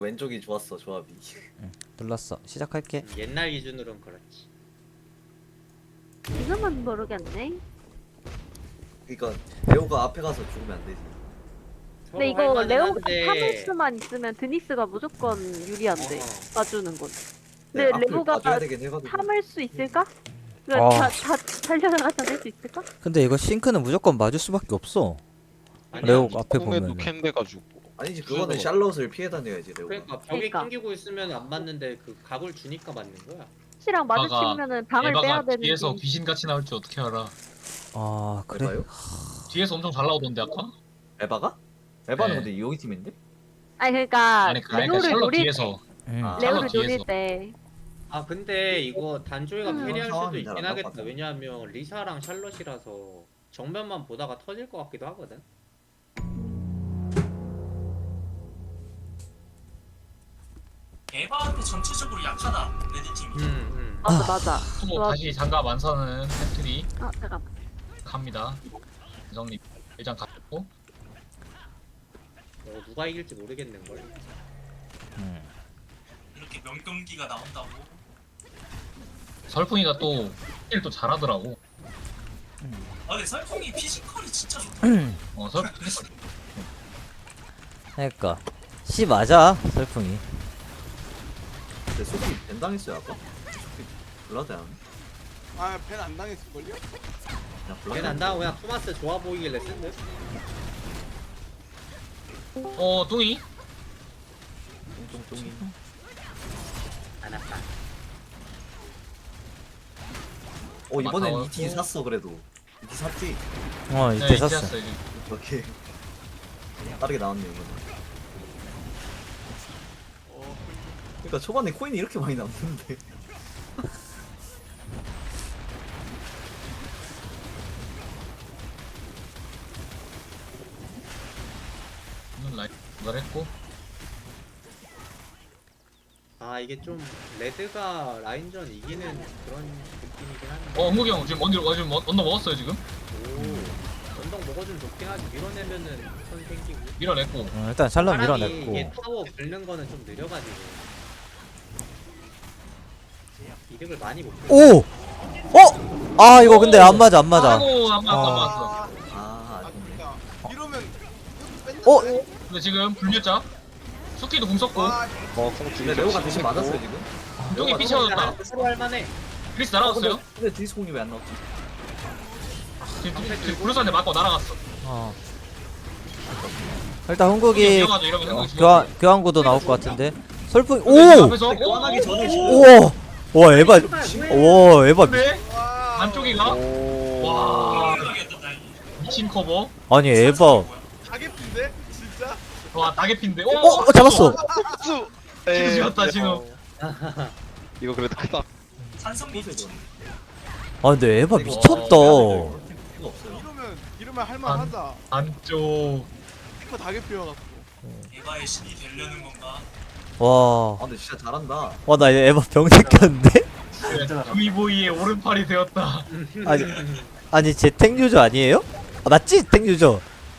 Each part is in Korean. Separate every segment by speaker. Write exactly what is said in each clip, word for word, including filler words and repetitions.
Speaker 1: 왼쪽이 좋았어 조합이.
Speaker 2: 응, 눌렀어. 시작할게.
Speaker 3: 옛날 기준으로는 그렇지.
Speaker 4: 지금은 모르겠네.
Speaker 1: 그러니까 레오가 앞에 가서 죽으면 안 되지.
Speaker 4: 근데
Speaker 3: 서로
Speaker 4: 이거
Speaker 3: 할만은
Speaker 4: 레오가
Speaker 3: 한데,
Speaker 4: 타노스만 있으면 드니스가 무조건 유리한데
Speaker 3: 어.
Speaker 4: 봐주는 건.
Speaker 1: 네,
Speaker 4: 근데
Speaker 1: 앞을
Speaker 4: 레오가
Speaker 1: 봐줘야 되긴 해가지고.
Speaker 4: 참을 수 있을까?
Speaker 2: 아.
Speaker 4: 그러니까 다, 다 살려나가서 낼 수 있을까?
Speaker 2: 근데 이거 싱크는 무조건 맞을 수밖에 없어.
Speaker 3: 아니야.
Speaker 2: 레오 앞에
Speaker 5: 콩에도
Speaker 2: 보면은.
Speaker 5: 캔 돼가지고.
Speaker 1: 아니지 그거는 샬롯을 피해 다녀야지 레오가.
Speaker 3: 그러니까 벽에
Speaker 4: 그러니까.
Speaker 3: 낑기고 있으면 안 맞는데 그 각을 주니까 맞는 거야.
Speaker 4: 씨랑
Speaker 6: 아가,
Speaker 4: 마주치면은 방을 빼야
Speaker 6: 에바가
Speaker 4: 되는데.
Speaker 6: 뒤에서 귀신같이 나올 줄 어떻게 알아?
Speaker 2: 아 그래?
Speaker 1: 에바요?
Speaker 6: 뒤에서 엄청 잘 나오던데 아까?
Speaker 1: 에바가? 에바는
Speaker 6: 네.
Speaker 1: 근데 여기 팀인데?
Speaker 4: 아니 그러니까
Speaker 6: 아니 그러니까
Speaker 4: 레오를
Speaker 6: 샬럿
Speaker 4: 노릴
Speaker 6: 뒤에서
Speaker 2: 응.
Speaker 1: 아,
Speaker 4: 레오를
Speaker 6: 샬럿
Speaker 4: 노릴
Speaker 6: 뒤에서.
Speaker 4: 때.
Speaker 3: 아 근데 이거 단조이가
Speaker 4: 음.
Speaker 3: 캐리할
Speaker 1: 그런
Speaker 3: 수도
Speaker 1: 상황이 잘안
Speaker 3: 있긴
Speaker 1: 나올 것
Speaker 3: 하겠다.
Speaker 1: 같아.
Speaker 3: 왜냐하면 리사랑 샬럿이라서 정면만 보다가 터질 것 같기도 하거든.
Speaker 7: 에바한테 전체적으로 약하다 레드팀이.
Speaker 3: 음, 음.
Speaker 4: 맞아 맞아.
Speaker 6: 또
Speaker 4: 좋아.
Speaker 6: 다시 장갑 완선은 팩트리
Speaker 4: 아 잠깐.
Speaker 6: 갑니다. 정리 일장 갔고
Speaker 3: 어, 누가 이길지 모르겠는 걸.
Speaker 2: 응.
Speaker 7: 이렇게 명경기가 나온다고.
Speaker 6: 설풍이가 또 힐 또 잘하더라고.
Speaker 7: 아 근데 설풍이 피지컬이 진짜 좋다.
Speaker 6: 어 설.
Speaker 2: 그러니까 C 맞아 설풍이.
Speaker 1: 근데 소피 벤 당했어요 아까? 소피 블라드 안.
Speaker 8: 아, 벤 안 당했을걸요?
Speaker 1: 그냥 블라드.
Speaker 3: 걔는 안 나오고 그냥 토마스 좋아 보이길래 쓴 듯.
Speaker 6: 어 뚱이
Speaker 1: 똥똥똥이.
Speaker 3: 안 아파.
Speaker 1: 어 이번엔
Speaker 6: 맞다.
Speaker 1: 이티 샀어 그래도. 이티 샀지?
Speaker 2: 어 이때
Speaker 6: 네,
Speaker 2: 샀어.
Speaker 6: 이제였어, 이제.
Speaker 1: 이렇게 빠르게 나왔네 이거는.
Speaker 8: 어,
Speaker 1: 그러니까 초반에 코인이 이렇게 많이 남는데.
Speaker 6: 오늘 라이 도달했고
Speaker 3: 아 이게 좀 레드가 라인전 이기는 그런 느낌이긴 한데.
Speaker 6: 어 은국이 형 지금 언제 어, 지금 언더 먹었어요 지금?
Speaker 3: 오. 전동 먹어주면 좋긴 하지. 밀어내면은 선 생기고.
Speaker 6: 밀어냈고
Speaker 2: 어, 일단 샬럿
Speaker 3: 사람이
Speaker 2: 밀어냈고.
Speaker 3: 이게 타워 긁는 거는 좀 느려가지고 이득을 많이 못 보.
Speaker 2: 오! 어? 아 이거 근데 안 맞아 안 맞아.
Speaker 6: 아이고 안 맞았어 안
Speaker 2: 아.
Speaker 6: 맞았어.
Speaker 1: 아
Speaker 8: 아,
Speaker 1: 아쉽네.
Speaker 8: 진짜. 이러면 뺀다.
Speaker 2: 어?
Speaker 6: 근데 지금 불멸자 수키도 궁 썼고
Speaker 8: 와,
Speaker 5: 어콩 두
Speaker 1: 근데
Speaker 5: 개.
Speaker 1: 레오가 대신 맞았어요 지금.
Speaker 6: 뚱이
Speaker 1: 레오가
Speaker 6: 피 채워졌다.
Speaker 3: 서로 할만해.
Speaker 6: 크리스
Speaker 1: 어,
Speaker 6: 날아갔어요.
Speaker 1: 근데, 근데 디스 공이 왜 안 나왔지?
Speaker 6: 지금 지금 블루스한테 맞고 날아갔어.
Speaker 2: 어. 일단 흥국이
Speaker 6: 위험하죠 이러면
Speaker 2: 어,
Speaker 6: 흥국
Speaker 2: 교환 교환구도 나올 것 같은데. 설풍이
Speaker 6: 오!
Speaker 2: 오!
Speaker 6: 앞에서
Speaker 1: 근데 교환하기 전에 지금.
Speaker 2: 우와! 와 에바 와 에바 미,
Speaker 6: 네?
Speaker 8: 와.
Speaker 6: 안쪽이가
Speaker 5: 오.
Speaker 6: 와
Speaker 7: 모르겠다 나 이거.
Speaker 6: 미친 커버.
Speaker 2: 아니 에바
Speaker 8: 가게핀데? 진짜?
Speaker 6: 와 다개핀데.
Speaker 2: 어, 어 잡았어.
Speaker 5: 수.
Speaker 6: 진우 지었다, 진우.
Speaker 5: 이거 그래도 크다.
Speaker 7: 산성미 미친.
Speaker 2: 아 근데 에바
Speaker 1: 이거
Speaker 2: 미쳤다.
Speaker 1: 필요가 없어요.
Speaker 8: 이러면 이러면 할만하다.
Speaker 6: 안쪽.
Speaker 8: 이거 다게피어갖고.
Speaker 7: 에바의 신이 되려는 건가?
Speaker 2: 와.
Speaker 1: 아 근데 진짜 잘한다.
Speaker 2: 와 나 에바 병 생겼는데?
Speaker 6: 두이보이의 오른팔이 되었다.
Speaker 2: 아니 아니 제 탱유저 아니에요? 아, 맞지? 탱유저.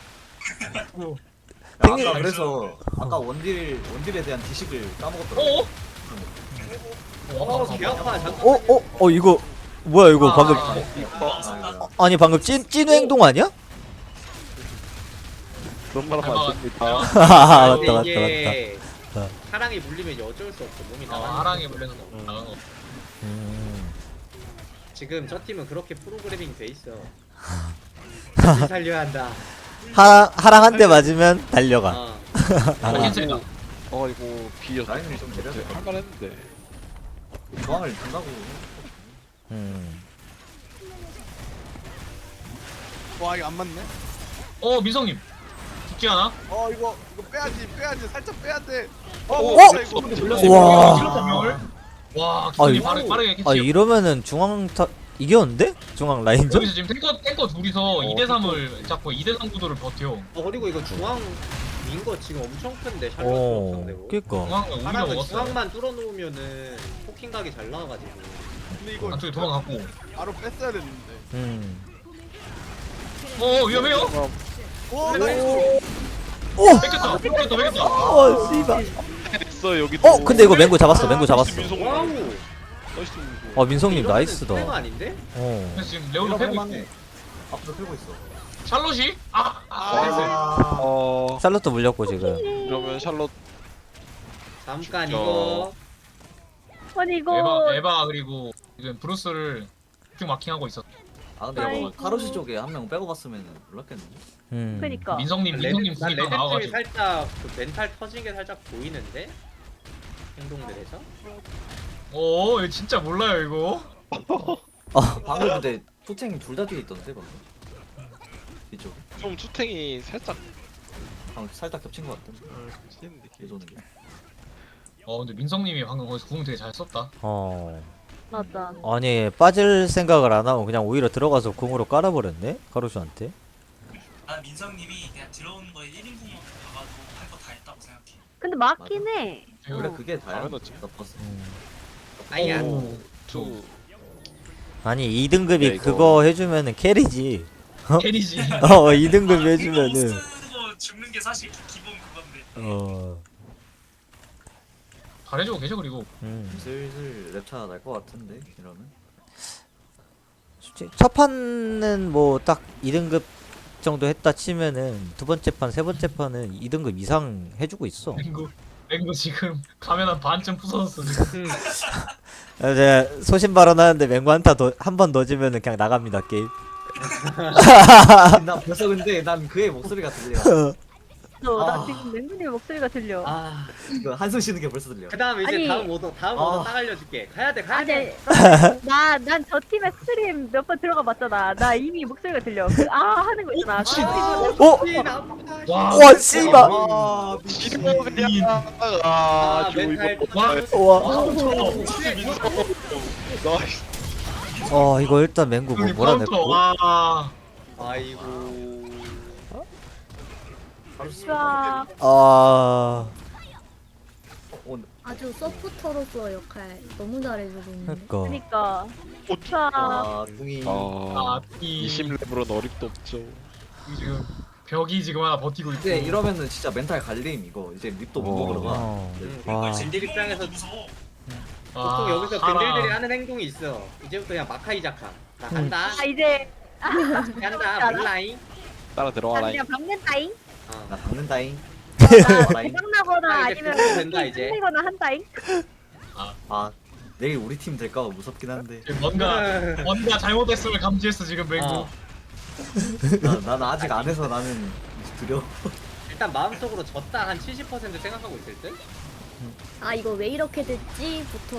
Speaker 2: 탱이-
Speaker 1: 아까 그래서 아까 원딜 원딜에 대한 지식을 까먹었더라고.
Speaker 6: 어?
Speaker 3: 어, 개 아파. 잠깐.
Speaker 2: 어? 어? 어 이거 뭐야 이거
Speaker 6: 아,
Speaker 2: 방금
Speaker 6: 아,
Speaker 1: 아,
Speaker 2: 아니 방금 찐 찐우 행동 아니야?
Speaker 5: 그런 말 하면 안 됩니다.
Speaker 2: 아 맞다
Speaker 3: 근데
Speaker 2: 맞다 맞다.
Speaker 3: 이게
Speaker 2: 어.
Speaker 3: 사랑이 물리면 어쩔 수 없어. 몸이
Speaker 6: 어,
Speaker 3: 나가.
Speaker 6: 하랑이 물려서 나간 거.
Speaker 2: 음.
Speaker 3: 지금 저 팀은 그렇게 프로그래밍 돼 있어. 같이 살려야 한다.
Speaker 2: 하 하랑 한 대 맞으면 달려가.
Speaker 3: 어.
Speaker 6: 어, 캔슬이다.
Speaker 5: 어 이거 비어.
Speaker 1: 라인을 좀 내려야 돼.
Speaker 5: 할만했는데.
Speaker 1: 저항을 준다고.
Speaker 2: 음.
Speaker 8: 와, 이거 안 맞네.
Speaker 6: 어 민성님 죽지 않아?
Speaker 8: 어, 이거 이거 빼야지, 빼야지. 살짝 빼야 돼. 어,
Speaker 2: 어?
Speaker 8: 어? 이거.
Speaker 2: 와.
Speaker 6: 와
Speaker 2: 아,
Speaker 6: 기분이
Speaker 2: 이거-
Speaker 6: 빠르게 빠르게 캐치.
Speaker 2: 아 이러면은 중앙 타 이겼는데? 중앙 라인전?
Speaker 6: 여기서 지금 탱커 탱커 둘이서 이 대 삼을 잡고 이 대 삼 구도를 버텨.
Speaker 3: 어 그리고 이거 중앙 민거 지금 엄청 큰데 샬롯
Speaker 2: 어.
Speaker 3: 상대로.
Speaker 2: 그니까.
Speaker 6: 중앙을 우리가
Speaker 3: 하나는
Speaker 6: 먹었어.
Speaker 3: 중앙만 뚫어놓으면은 포킹 각이 잘 나와가지고.
Speaker 8: 근데 이거
Speaker 6: 안쪽에 도망갔고.
Speaker 8: 바로 뺐어야 됐는데.
Speaker 2: 음.
Speaker 6: 어 위험해요?
Speaker 8: 오,
Speaker 3: 네.
Speaker 8: 나이스.
Speaker 2: 오!
Speaker 6: 뺏겼다 뺏겼다 뺏겼다.
Speaker 2: 어 씨발.
Speaker 5: 있어 여기도.
Speaker 2: 어 근데 이거 맹구 잡았어 맹구 잡았어.
Speaker 5: 민성.
Speaker 3: 와우.
Speaker 5: 나이스 민성.
Speaker 2: 어 민성님
Speaker 3: 이러면은
Speaker 2: 나이스다.
Speaker 3: 스페가 아닌데?
Speaker 2: 어.
Speaker 6: 그래서 지금 레오도 패고 있고
Speaker 1: 할만해. 앞으로 패고 있어.
Speaker 6: 샬롯이? 아! 아!
Speaker 1: 아,
Speaker 5: 어
Speaker 2: 샬롯도 물렸고 지금.
Speaker 5: 그러면 샬롯
Speaker 3: 잠깐
Speaker 5: 진짜.
Speaker 3: 이거.
Speaker 4: 아니
Speaker 6: 에바,
Speaker 4: 이거
Speaker 6: 에바 그리고 지금 브루스를 쭉 마킹하고 있었어.
Speaker 1: 아 근데 이거
Speaker 4: 아이고.
Speaker 1: 카로시 쪽에 한 명 빼고 갔으면 몰랐겠는데.
Speaker 2: 음.
Speaker 4: 그니까
Speaker 6: 민성님, 민성님
Speaker 3: 난
Speaker 6: 구기가
Speaker 3: 레드 팀이
Speaker 6: 나와가지고.
Speaker 3: 살짝 그 멘탈 터진 게 살짝 보이는데 행동들에서.
Speaker 6: 오, 이거 진짜 몰라요 이거.
Speaker 1: 방금 근데 투탱 둘 다 뒤에 있던데 방금. 이쪽.
Speaker 5: 좀 투탱이 살짝
Speaker 1: 방금 살짝 겹친 것 같던데.
Speaker 5: 치는 느낌.
Speaker 1: 계속 게.
Speaker 6: 어, 근데 민성님이 방금 거기서 궁 되게 잘 썼다.
Speaker 2: 어.
Speaker 4: 맞아.
Speaker 2: 아니 빠질 생각을 안 하고 그냥 오히려 들어가서 궁으로 깔아버렸네 카루슈한테.
Speaker 7: 난 민성님이 그냥 들어오는 거에 일 인분만 가가도 할 거 다 했다고 생각해.
Speaker 4: 근데 맞긴 해.
Speaker 1: 원래
Speaker 4: 어.
Speaker 1: 그게 다야.
Speaker 5: 당연하지.
Speaker 1: 나빴어.
Speaker 2: 음.
Speaker 3: 아니야.
Speaker 6: 오.
Speaker 5: 투.
Speaker 2: 아니 이 등급이
Speaker 5: 야, 이거.
Speaker 2: 그거 해주면은 캐리지.
Speaker 6: 캐리지.
Speaker 2: 어 이 등급 해주면은.
Speaker 7: 쓰고 죽는 게 사실 기본 그건데.
Speaker 2: 어.
Speaker 6: 잘해주고 계셔 그리고.
Speaker 2: 음.
Speaker 1: 슬슬 랩차 날 것 같은데 이러면.
Speaker 2: 솔직히 첫 판은 뭐 딱 이 등급 정도 했다 치면은 두 번째 판, 세 번째 판은 이 등급 이상 해주고 있어.
Speaker 6: 맹구, 맹구 지금 가면 한 반쯤 부서졌어 지금.
Speaker 2: 이제 소신 발언하는데 맹구 한타 한 번 더 지면은 그냥 나갑니다 게임.
Speaker 1: 나 벌써 근데 난 그의 목소리가 들려.
Speaker 4: 너, 나
Speaker 1: 아.
Speaker 4: 지금 맹구님 목소리가 들려.
Speaker 1: 아, 이거 한숨 쉬는 게 벌써 들려.
Speaker 3: 그 다음 이제
Speaker 4: 아니.
Speaker 3: 다음 오더 다음
Speaker 1: 아.
Speaker 3: 오더 딱 알려줄게. 가야 돼 가야
Speaker 4: 아니,
Speaker 3: 돼.
Speaker 4: 나난 저 팀의 스트림 몇 번 들어가 봤잖아. 나 이미 목소리가 들려. 그, 아 하는 거 있잖아.
Speaker 2: 어?
Speaker 6: 와,
Speaker 2: 와 씨발.
Speaker 1: 아,
Speaker 5: 이거 그냥 아
Speaker 3: 아, 멘탈
Speaker 6: 와,
Speaker 2: 와.
Speaker 5: 나이스.
Speaker 2: 어 이거 일단 맹구 뭐
Speaker 6: 형님
Speaker 2: 몰아냈고.
Speaker 6: 카운터. 와.
Speaker 3: 아이고.
Speaker 4: 와,
Speaker 2: 아.
Speaker 9: 아주 서포터로서 역할 너무 잘해주고 있는데.
Speaker 2: 그니까.
Speaker 4: 그니까.
Speaker 5: 어,
Speaker 4: 와,
Speaker 1: 아, 둥이.
Speaker 5: 아
Speaker 6: 아, 이
Speaker 5: 이십 레벨은 어림도 없죠.
Speaker 6: 지금 벽이 지금 하나 버티고 있고.
Speaker 1: 이제 이러면은 진짜 멘탈 갈림 이거. 이제 립도 못
Speaker 5: 어.
Speaker 1: 먹으러 가.
Speaker 2: 어.
Speaker 3: 응.
Speaker 2: 와.
Speaker 3: 젠딜 입장에서
Speaker 7: 무서워.
Speaker 3: 보통 여기서
Speaker 6: 하나.
Speaker 3: 밴들들이 하는 행동이 있어. 이제부터 그냥 마카이자카. 나 간다.
Speaker 4: 아 이제
Speaker 3: 간다. 몰라잉.
Speaker 5: 따라
Speaker 4: 나
Speaker 5: 들어와라.
Speaker 4: 그냥 박는다잉.
Speaker 3: 어.
Speaker 1: 나 박는다잉.
Speaker 4: 나 대박나거나
Speaker 3: 아, 이제
Speaker 4: 아니면
Speaker 3: 풀리면 된다, 이제.
Speaker 4: 힘내거나 한다잉.
Speaker 1: 아, 내일 우리 팀 될까봐 무섭긴 한데.
Speaker 6: 지금 뭔가 뭔가 잘못됐음을 감지했어 지금 맹구.
Speaker 3: 어.
Speaker 1: 나, 난 아직 안 해서 나는 두려워.
Speaker 3: 일단 마음속으로 졌다 한 칠십 퍼센트 생각하고 있을 듯.
Speaker 9: 아 이거 왜 이렇게 됐지부터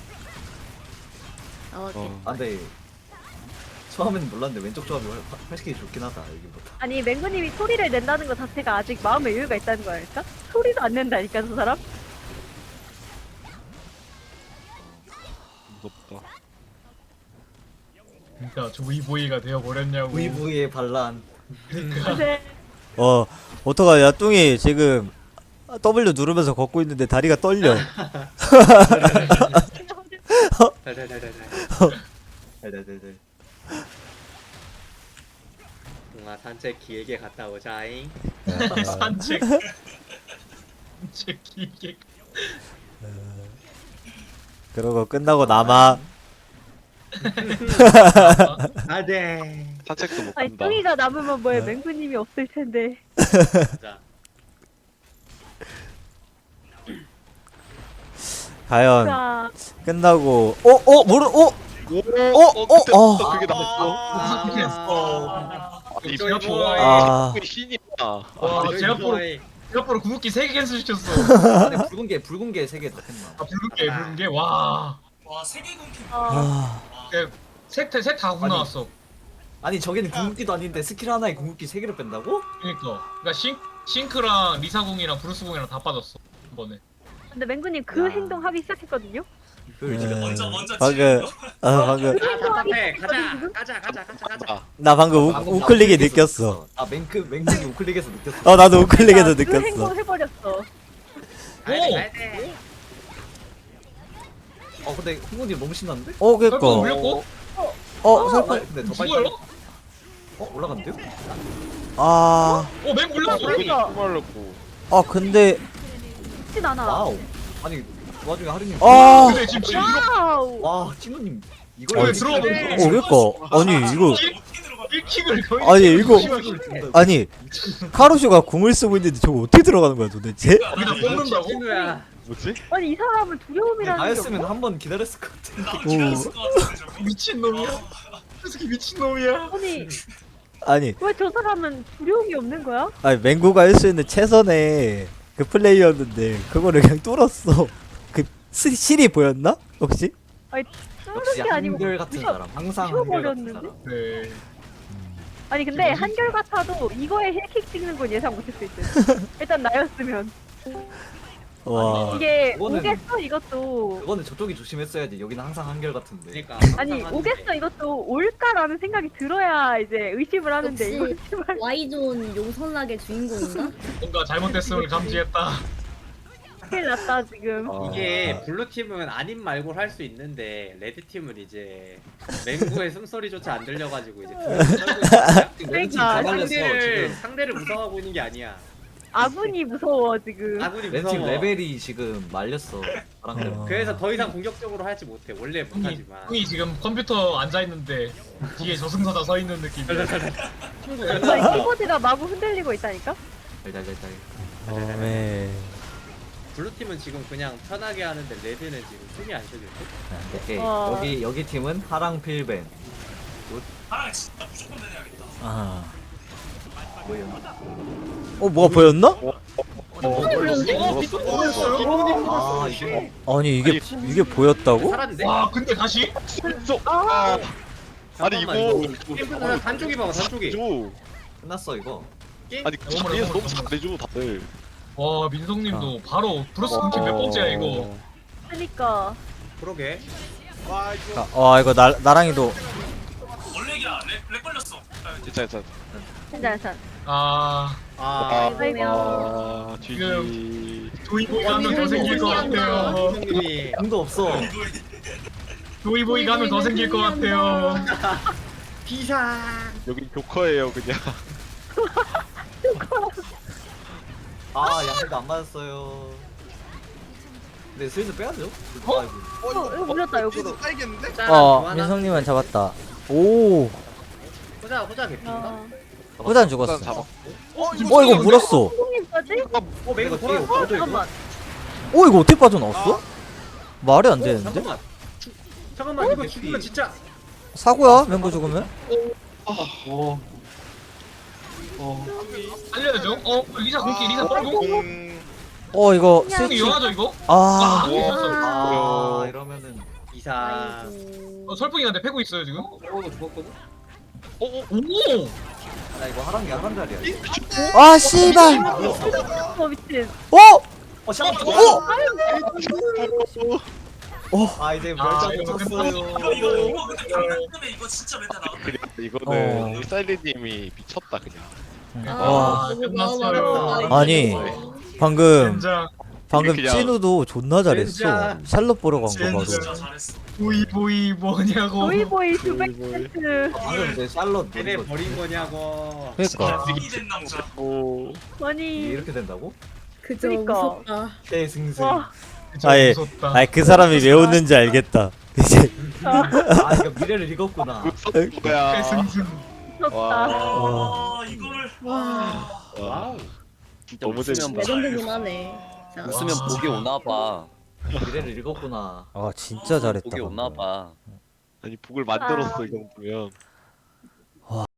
Speaker 9: 나왔겠다.
Speaker 5: 어.
Speaker 1: 아, 근데 처음에는 몰랐는데 왼쪽 조합이 훨- 훨씬 좋긴 하다 여기보다.
Speaker 4: 아니 맹구님이 소리를 낸다는 것 자체가 아직 마음의 여유가 있다는 거 아닐까? 소리도 안 낸다니까 저 사람?
Speaker 5: 무섭다.
Speaker 6: 그러니까 조이보이가 되어 버렸냐고.
Speaker 1: 브이브이의 반란.
Speaker 4: 근데
Speaker 2: 어 어떡하냐 뚱이 지금 W 누르면서 걷고 있는데 다리가 떨려.
Speaker 3: 달달달달달.
Speaker 1: 네네네네.
Speaker 3: 동아 산책 길게 갔다 오자잉.
Speaker 6: 산책. 산책 길게.
Speaker 2: 그러고 끝나고 남아.
Speaker 3: 아네.
Speaker 5: 산책도 못
Speaker 4: 아니
Speaker 5: 간다.
Speaker 4: 뚱이가 남으면 뭐해 맹구님이 없을 텐데.
Speaker 3: 자.
Speaker 2: 과연
Speaker 4: 자,
Speaker 2: 끝나고 어어 모르 어
Speaker 5: 오,
Speaker 2: 어,
Speaker 5: 그때
Speaker 2: 어.
Speaker 5: 또 그게 나왔어.
Speaker 3: 아,
Speaker 6: 무슨 했어?
Speaker 5: 이
Speaker 6: 제가
Speaker 3: 조이보이.
Speaker 6: 좋아해.
Speaker 2: 아.
Speaker 5: 이 신이야.
Speaker 6: 와,
Speaker 3: 아,
Speaker 6: 제가 보러
Speaker 3: 조이보이.
Speaker 6: 제가 보러 궁극기 세 개 캔슬 시켰어.
Speaker 1: 아, 근데 붉은 게 붉은 게 세 개 다 했나?
Speaker 6: 아 붉은게 붉은게 와.
Speaker 7: 와 세계 공킹.
Speaker 4: 어,
Speaker 2: 아,
Speaker 6: 셋셋다 궁
Speaker 1: 아니.
Speaker 6: 나왔어.
Speaker 1: 아니 저기는 궁극기도 아닌데 스킬 하나에 궁극기 세 개를 뺀다고?
Speaker 6: 그러니까 그러니까 싱 싱크랑 리사궁이랑 브루스궁이랑 다 빠졌어 한 번에.
Speaker 4: 근데 맹구님 그
Speaker 1: 야.
Speaker 4: 행동 하기 시작했거든요?
Speaker 1: 그걸
Speaker 2: 네.
Speaker 1: 지금
Speaker 7: 먼저 먼저
Speaker 2: 방금
Speaker 7: 치는 거.
Speaker 2: 아 방금
Speaker 3: 아 답답해. 가자. 가자 가자 가자 가자.
Speaker 5: 아,
Speaker 2: 나 방금
Speaker 1: 방금
Speaker 2: 우,
Speaker 1: 나
Speaker 2: 우클릭이
Speaker 1: 우클릭에서
Speaker 2: 느꼈어.
Speaker 1: 느꼈어. 아 맹크 맹크이 우클릭에서 느꼈어.
Speaker 2: 어 나도 우클릭에서
Speaker 4: 그
Speaker 2: 느꼈어.
Speaker 4: 행동 해버렸어.
Speaker 3: 가야 돼
Speaker 6: 오!
Speaker 3: 가야 돼.
Speaker 1: 어 근데 흥분이 너무 신났는데?
Speaker 2: 어 그니까
Speaker 6: 설마 올렸고?
Speaker 2: 어
Speaker 1: 아,
Speaker 2: 설마
Speaker 1: 근데 더 빨리.
Speaker 6: 죽어요?
Speaker 1: 어 올라간대요?
Speaker 2: 아,
Speaker 6: 어, 맹 물렸어.
Speaker 4: 그러니까.
Speaker 5: 말렸고.
Speaker 2: 아 근데
Speaker 4: 쉽진 않아.
Speaker 1: 와우. 아니 그 와중에 하루님.
Speaker 2: 아!
Speaker 6: 근데 지금 지금
Speaker 4: 와우.
Speaker 1: 와 찐우님 이걸
Speaker 6: 왜
Speaker 1: 왜
Speaker 6: 들어가
Speaker 1: 들어가?
Speaker 2: 어 그니까 아니 이거
Speaker 7: 어떻게 들어가?
Speaker 6: 일 킥을 거의
Speaker 2: 아니, 이거-
Speaker 6: 심하게
Speaker 2: 아니 카루쇼가 궁을 쓰고 있는데 저거 어떻게 들어가는 거야 도대체?
Speaker 6: 여기다 뽑는다고?
Speaker 3: 친구야.
Speaker 5: 뭐지?
Speaker 4: 아니 이 사람은 두려움이라는 게
Speaker 1: 나였으면
Speaker 4: 없나?
Speaker 1: 한 번 기다렸을 것 같은데.
Speaker 7: 아, 길었을 것 같은데 저거.
Speaker 6: 미친놈이야. 저 새끼 미친놈이야.
Speaker 4: 아니
Speaker 2: 아니
Speaker 4: 왜 저 사람은 두려움이 없는 거야?
Speaker 2: 아니 맹구가 할 수 있는 최선의 그 플레이였는데 그거를 그냥 뚫었어. 그 시, 실이 보였나 혹시?
Speaker 1: 역시
Speaker 4: 뚫는 게 아니고
Speaker 1: 한결 같은
Speaker 4: 부셔-
Speaker 1: 사람. 항상 한결 같은
Speaker 4: 부셔버렸는데?
Speaker 1: 사람.
Speaker 6: 네.
Speaker 4: 아니 근데
Speaker 6: 뭐지?
Speaker 4: 한결 같아도 이거에 힐킥 찍는 건 예상 못했을 듯. 일단 나였으면
Speaker 2: 와.
Speaker 4: 이게
Speaker 1: 그거는-
Speaker 4: 오겠어 이것도.
Speaker 1: 그거는 저쪽이 조심했어야지. 여기는 항상 한결 같은데.
Speaker 3: 그러니까
Speaker 4: 아니
Speaker 3: 항상 하는데.
Speaker 4: 오겠어 이것도 올까라는 생각이 들어야 이제 의심을 하는데
Speaker 9: 역시.
Speaker 4: 이거 씨발
Speaker 9: Y존 용선락의 주인공인가?
Speaker 6: 뭔가 잘못됐음을 감지했다.
Speaker 4: 큰일 났다 지금.
Speaker 1: 아.
Speaker 3: 이게 블루 팀은 아님 말고 할 수 있는데 레드 팀은 이제 맹구의 숨소리조차 안 들려가지고 이제 둘이 떨고 있어요.
Speaker 4: 그러니까
Speaker 3: 상대를 상대를 무서워하고 있는 게 아니야.
Speaker 4: 아군이 무서워 지금.
Speaker 3: 아군이
Speaker 1: 렌팀
Speaker 3: 무서워.
Speaker 1: 레벨이 지금 말렸어. 바람대로.
Speaker 2: 어.
Speaker 3: 그래서 더 이상 공격적으로 하지 못해. 원래
Speaker 6: 형이,
Speaker 3: 못하지만.
Speaker 6: 형이 지금 컴퓨터 앉아 있는데 뒤에 저승사자 서 있는 느낌이야.
Speaker 4: 아니, 키보드가 마구 흔들리고 있다니까?
Speaker 1: 달달달달.
Speaker 2: 어, 네.
Speaker 3: 블루 팀은 지금 그냥 편하게 하는데 레드는 지금 숨이 안 쉬어질 듯.
Speaker 1: 오케이.
Speaker 4: 어.
Speaker 1: 여기 여기 팀은 하랑 필벤.
Speaker 7: 하랑 진짜 무조건 내려야겠다.
Speaker 2: 아.
Speaker 1: 뭐예요?
Speaker 2: 어 뭐가 보였나?
Speaker 1: 어,
Speaker 6: 어,
Speaker 1: 아 이게
Speaker 2: 아니 이게 이게 보였다고?
Speaker 3: 살았는데?
Speaker 6: 와 근데 다시?
Speaker 5: 손속.
Speaker 4: 아,
Speaker 5: 아니 이거.
Speaker 3: 게임 그냥 단쪽이 봐봐 단쪽이.
Speaker 5: 줘.
Speaker 1: 끝났어 이거.
Speaker 3: 게임
Speaker 5: 아니 자리에서 너무 잘해줘 다들.
Speaker 6: 와 민성님도 바로 브로스 끊기 몇 번째야 이거.
Speaker 4: 그니까.
Speaker 3: 그러게.
Speaker 8: 와 이거
Speaker 2: 아, 와 이거 나 나랑이도
Speaker 7: 원래기야 렉, 렉 걸렸어. 아,
Speaker 5: 진짜 진짜.
Speaker 4: 괜찮아 괜찮아.
Speaker 6: 아
Speaker 3: 아.
Speaker 4: 아이고.
Speaker 5: 아 지지.
Speaker 6: 조이보이가 하면 더 생길 것 같아요.
Speaker 3: 형님이
Speaker 1: 힘도 없어.
Speaker 6: 조이보이가 하면 더 생길 것 같아요.
Speaker 3: 비상.
Speaker 5: 여기 교커예요 그냥.
Speaker 1: 아 양도 안 맞았어요. 근데 슬슬 빼야죠.
Speaker 6: 어?
Speaker 1: 아이고.
Speaker 8: 어
Speaker 4: 어, 이거 물렸다, 역으로.
Speaker 8: 따이겠는데?
Speaker 2: 어 민성님은 잡았다. 오
Speaker 3: 호자 호자 개피인가?
Speaker 4: 아.
Speaker 2: 호단 죽었어.
Speaker 5: 잡아.
Speaker 8: 어
Speaker 2: 어 이거 물었어.
Speaker 4: 형님까지?
Speaker 3: 어 맹구
Speaker 1: 이거
Speaker 3: 돌아.
Speaker 1: 뒤에
Speaker 4: 어 잠깐만.
Speaker 2: 어 이거 어떻게 빠져나왔어? 말이 안 되는데?
Speaker 3: 잠깐만. 죽- 잠깐만 이거 죽으면 진짜.
Speaker 2: 사고야 맹구 죽으면?
Speaker 6: 알려야죠. 어 리사 공기 리사 공기.
Speaker 5: 공.
Speaker 2: 어 이거
Speaker 6: 형이
Speaker 2: 스위치
Speaker 6: 영화죠 이거?
Speaker 2: 아
Speaker 6: 아 있었어.
Speaker 1: 아 이러면은
Speaker 3: 이상.
Speaker 9: 아이고.
Speaker 6: 어, 설풍이한테 패고 있어요 지금.
Speaker 3: 어 죽었거든.
Speaker 6: 오.
Speaker 1: 나 이거 하랑이 하란 자리야. 이거.
Speaker 2: 아 씨발.
Speaker 4: 어 미친.
Speaker 2: 어?
Speaker 1: 어 샤워.
Speaker 2: 어?
Speaker 1: 아 이제
Speaker 6: 아,
Speaker 1: 멸장
Speaker 6: 이거
Speaker 1: 쳤어요.
Speaker 7: 이거 이거 이거 근데 방금 때문에 이거 진짜 메타 나갔다.
Speaker 5: 그냥
Speaker 2: 어.
Speaker 5: 이거는 사일리님이 미쳤다 그냥.
Speaker 2: 와
Speaker 6: 아 끝났어요.
Speaker 2: 아니 방금
Speaker 6: 젠장.
Speaker 2: 방금
Speaker 5: 그냥-
Speaker 2: 찐우도 존나 잘했어.
Speaker 3: 진짜.
Speaker 2: 샬롯 보러 간 거
Speaker 6: 진짜.
Speaker 2: 바로.
Speaker 7: 진짜 잘했어.
Speaker 6: 보이보이 뭐냐고.
Speaker 4: 조이보이
Speaker 5: 네,
Speaker 4: 두백 세트.
Speaker 1: 방금 내 샬롯
Speaker 3: 걔네
Speaker 1: 노린 거
Speaker 3: 버린 거냐고.
Speaker 2: 그러니까
Speaker 7: 힘이 된 남자.
Speaker 5: 오.
Speaker 1: 이게
Speaker 4: 아니.
Speaker 1: 이렇게 된다고?
Speaker 9: 그저
Speaker 4: 그니까.
Speaker 9: 무섭다.
Speaker 1: 대승승.
Speaker 4: 와.
Speaker 6: 진짜
Speaker 2: 아예
Speaker 6: 무섭다.
Speaker 2: 아이 그 사람이 왜 웃는지 알겠다. 이제
Speaker 4: 아,
Speaker 1: 아 이거 미래를 읽었구나.
Speaker 5: 무슨 거야.
Speaker 6: 승승.
Speaker 4: 무섭다.
Speaker 5: 와.
Speaker 7: 아 이걸
Speaker 9: 와.
Speaker 3: 와우.
Speaker 5: 너무 재밌다.
Speaker 9: 레전드긴 하네. 자.
Speaker 10: 웃으면 복이 오나 봐.
Speaker 1: 미래를 읽었구나.
Speaker 2: 아 진짜 잘했다.
Speaker 10: 복이 오나 봐.
Speaker 5: 아니 북을 만들었어 이 정도면.